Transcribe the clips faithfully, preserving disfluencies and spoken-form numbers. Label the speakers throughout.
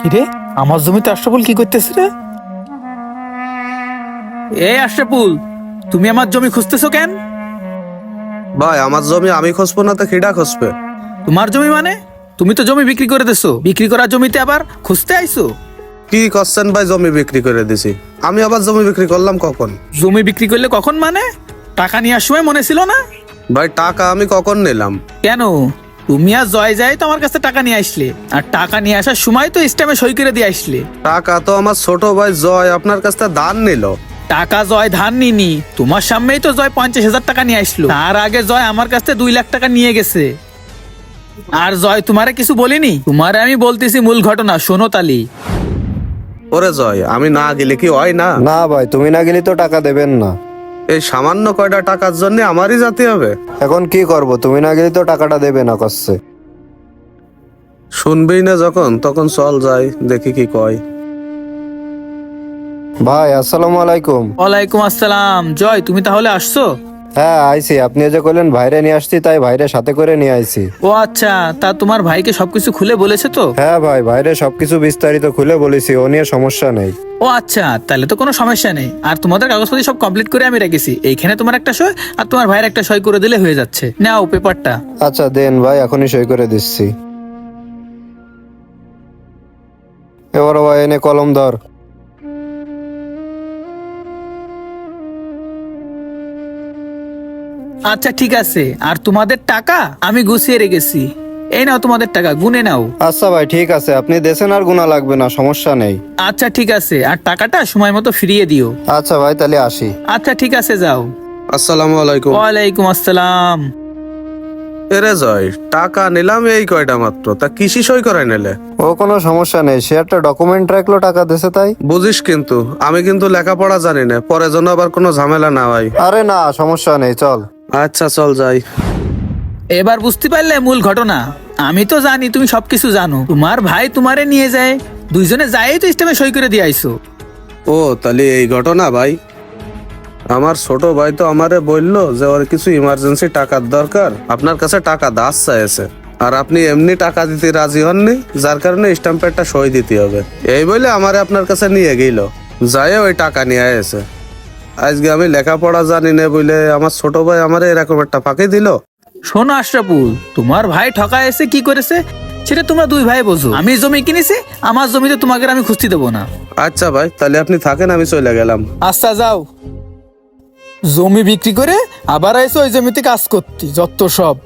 Speaker 1: কিরে, আমার জমিতে আশরাফুল কি করতেছে রে? এ আশরাফুল, তুমি আমার জমি খুঁজতেছো কেন?
Speaker 2: ভাই আমার জমি আমি খুঁজবো না তো খিডা খুঁজবে?
Speaker 1: তোমার জমি মানে? তুমি তো জমি বিক্রি করে দিছো, বিক্রি করা জমিতে আবার খুঁজতে আইছো?
Speaker 2: কি করছেন ভাই? জমি বিক্রি করে দিছি। আমি আবার জমি বিক্রি করলাম কখন?
Speaker 1: জমি বিক্রি করলে কখন মানে? টাকা নেওয়ার সময় মনে ছিল না?
Speaker 2: ভাই টাকা আমি কখন নিলাম?
Speaker 1: কেন, তুমি আর জয় যায় তো আমার কাছে টাকা নিয়ে আসলে, আর টাকা নিয়ে আসার সময় তো স্ট্যাম্পে সই করে দিয়ে আসলে।
Speaker 2: টাকা তো আমার ছোট ভাই জয় আপনার কাছ থেকে ধার নিল।
Speaker 1: টাকা জয় ধার নিনি, তোমার সামনেই তো জয় পঞ্চাশ হাজার টাকা নিয়ে আসলো। তার আগে জয় আমার কাছ থেকে দুই লাখ টাকা নিয়ে গেছে। আর জয় তোমারে কিছু বলিনি? তোমারে আমি বলতেছি মূল ঘটনা, শোনো তালি।
Speaker 2: ওরে জয়, আমি না গেলে কি হয় না?
Speaker 3: না ভাই, তুমি না গেলে তো টাকা দেবেন না।
Speaker 2: এই সামান্য কয়টা টাকার জন্য আমারই যেতে হবে?
Speaker 3: এখন কি করব, তুমি না গেলে তো টাকাটা দেবে না করছে।
Speaker 2: শুনবেই না যখন, তখন চল যাই, দেখি কি কয়।
Speaker 3: ভাই আসসালামু আলাইকুম।
Speaker 1: ওয়ালাইকুম আসসালাম। জয়, তুমি তাহলে আসছো?
Speaker 3: হ্যাঁ আইছি, আপনি যে কইলেন ভাইরে নিয়ে আসছি, তাই ভাইরে সাথে করে নিয়ে আইছি।
Speaker 1: ও আচ্ছা, তা তোমার ভাইকে সবকিছু খুলে বলেছে তো?
Speaker 3: হ্যাঁ ভাই, ভাইরে সবকিছু বিস্তারিত খুলে বলেছি, ও নিয়ে সমস্যা নেই।
Speaker 1: ও আচ্ছা, তাহলে তো কোনো সমস্যা নেই। আর তোমাদের কাগজপত্র সব কমপ্লিট করে আমি রেখেছি। এইখানে তোমার একটা সই আর তোমার ভাইয়ের একটা সই করে দিলে হয়ে যাচ্ছে। নাও পেপারটা।
Speaker 3: আচ্ছা দেন ভাই, এখনই সই করে দিচ্ছি। এবার ভাই এনে কলম ধর।
Speaker 1: আচ্ছা ঠিক আছে, আর তোমাদের টাকা আমি গুছিয়ে রেখেছি। এই নাও তোমাদের টাকা, গুনে নাও।
Speaker 3: আচ্ছা ভাই ঠিক আছে, আপনি দেশেন আর গুণা লাগবে না, সমস্যা নেই।
Speaker 1: আচ্ছা ঠিক আছে, আর টাকাটা সময় মতো ফিরিয়ে দিও।
Speaker 3: আচ্ছা ভাই তাহলে আসি।
Speaker 1: আচ্ছা ঠিক আছে, যাও।
Speaker 2: আসসালামু আলাইকুম।
Speaker 1: ওয়ালাইকুম আসসালাম।
Speaker 2: এরে জয়, টাকা নিলাম এই কয়টা মাত্র, তা কিসি সই করাই নিলে?
Speaker 3: ও কোনো সমস্যা নেই, সে একটা ডকুমেন্ট রাখলো টাকা দেশে তাই।
Speaker 2: বুঝিস কিন্তু আমি কিন্তু লেখাপড়া জানি না, পরে যেন আবার কোনো ঝামেলা না হয়।
Speaker 3: আরে না সমস্যা নেই, চল।
Speaker 2: আচ্ছা চল যাই।
Speaker 1: এবার বুঝতে পারলে মূল ঘটনা? আমি তো জানি তুমি সবকিছু জানো। তোমার ভাই তোমারে নিয়ে যায়, দুইজনে যাই তো স্টেমে সই করে দিয়ে আইসো।
Speaker 2: ও তাহলে এই ঘটনা ভাই। আমার ছোট ভাই তো আমারে বললো যে ওর কিছু ইমার্জেন্সি টাকার দরকার, আপনার কাছে টাকা দাস চাইছে, আর আপনি এমনি টাকা দিতে রাজি হননি, যার কারণে স্ট্যাম্পে একটা সই দিতে হবে। এই বলে আমারে আপনার কাছে নিয়ে গেল, যাই ওই টাকা নিয়ে এসে। আজকে আমি লেখাপড়া জানি না বলে আমার ছোট ভাই আমারে এরকম একটা ফাঁকি দিল।
Speaker 1: শোনো আশরাফুল, তোমার ভাই ঠকা এসে কি করেছে সেটা তোমরা দুই ভাই বোঝো। আমি জমি কিনেছি, আমার জমিতে তোমাকে আমি খুঁজতে দেবো না।
Speaker 2: আচ্ছা ভাই, তাহলে আপনি থাকেন, আমি চলে গেলাম।
Speaker 1: আচ্ছা যাও। জমি বিক্রি করে আবার আইসো ওই জমিতে কাজ করতে, যত সব।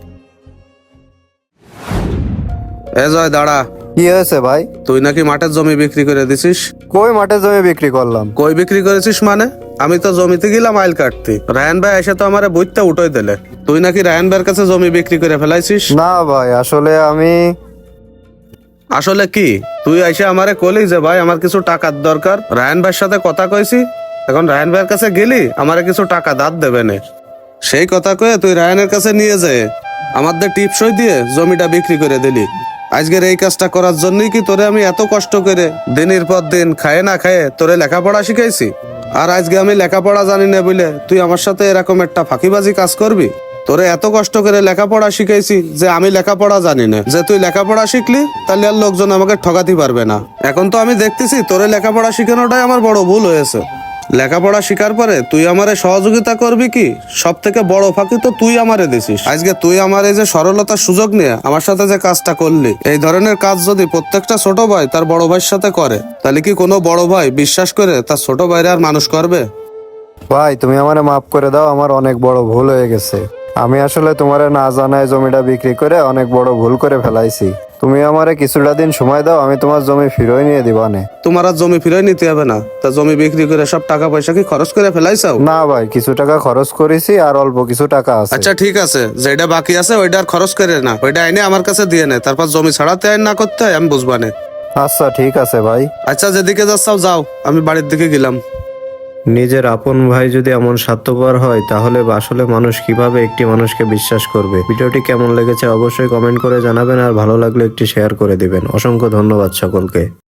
Speaker 2: এ জয় দাঁড়া।
Speaker 3: কি হয়েছে ভাই?
Speaker 2: তুই নাকি মাঠের জমি বিক্রি করে দিছিস?
Speaker 3: কই মাঠে জমি বিক্রি করলাম?
Speaker 2: কই বিক্রি করেছিস মানে? আমি তো জমিতে গেলাম আইল কাটতে, রায়ন ভাই এসে তো আমারে বইতে উঠোই দিলে। তুই নাকি রায়ন ভাইয়ের কাছে জমি বিক্রি করে ফেলাইছিস?
Speaker 3: না ভাই, আসলে আমি।
Speaker 2: আসলে কি? তুই এসে আমারে কলি যে ভাই আমার কিছু টাকার দরকার, রায়ন ভাইয়ের সাথে কথা কইছি, এখন রায়ন ভাইয়ের কাছে গেলি আমারে কিছু টাকা দাঁত দেবে না। সেই কথা কয়ে তুই রায়নের কাছে নিয়ে যায় আমাদের টিপসই দিয়ে জমিটা বিক্রি করে দিলি। আজকের এই কাজটা করার জন্যই কি তোরে আমি এত কষ্ট করে দিনের পর দিন খায়ে না খায়ে তোরে লেখাপড়া শিখাইছি? আর আজকে আমি লেখাপড়া জানি না বলে তুই আমার সাথে এরকম একটা ফাঁকিবাজি কাজ করবি? তোরে এত কষ্ট করে লেখাপড়া শিখাইছি যে আমি লেখাপড়া জানি না, যে তুই লেখাপড়া শিখলি তাহলে আর লোকজন আমাকে ঠকাতে পারবে না। এখন তো আমি দেখতেছি তোরে লেখাপড়া শিখানোটাই আমার বড় ভুল হয়েছে। লেখাপড়া শিকার পরে তুই আমারে সহযোগিতা করবি কি? সব থেকে বড় ফাঁকি তো তুই আমারে দিছিস। আজকে তুই আমার এই যে সরলতার সুযোগ নিয়ে আমার সাথে যে কাজটা করলি, এই ধরনের কাজ যদি প্রত্যেকটা ছোট ভাই তার বড় ভাইয়ের সাথে করে, তাহলে কি কোনো বড় ভাই বিশ্বাস করে তার ছোট ভাইরে আর মানুষ করবে?
Speaker 3: ভাই তুমি আমারে মাফ করে দাও, আমার অনেক বড় ভুল হয়ে গেছে। আমি আসলে তোমারে না জানায় জমিটা বিক্রি করে অনেক বড় ভুল করে ফেলাইছি। তুমি আমারে কিছুটা দিন সময় দাও, আমি তোমার জমি ফিরিয়ে নিয়ে দিবানে।
Speaker 2: তোমার আর জমি ফিরে নিতে হবে না। তা জমি বিক্রি করে সব টাকা পয়সা কি খরচ করে ফেলাইছাও?
Speaker 3: না ভাই, কিছু টাকা খরচ করেছি আর অল্প কিছু টাকা আছে।
Speaker 2: আচ্ছা ঠিক আছে, যেটা বাকি আছে ওইটা আর খরচ করে না, ওইটা এনে আমার কাছে দিয়ে নে, তারপর জমি ছাড়াতে আইন না করতে হয় আমি বুঝবানে।
Speaker 3: আচ্ছা ঠিক আছে ভাই।
Speaker 2: আচ্ছা যেদিকে যাচ্ছাও যাও, আমি বাড়ির দিকে গেলাম।
Speaker 3: নিজের আপন ভাই যদি এমন স্বার্থপর হয়, তাহলে আসলে মানুষ কিভাবে একটি মানুষকে বিশ্বাস করবে? ভিডিওটি কেমন লেগেছে অবশ্যই কমেন্ট করে জানাবেন, আর ভালো লাগলে একটি শেয়ার করে দিবেন। অসংখ্য ধন্যবাদ সকলকে।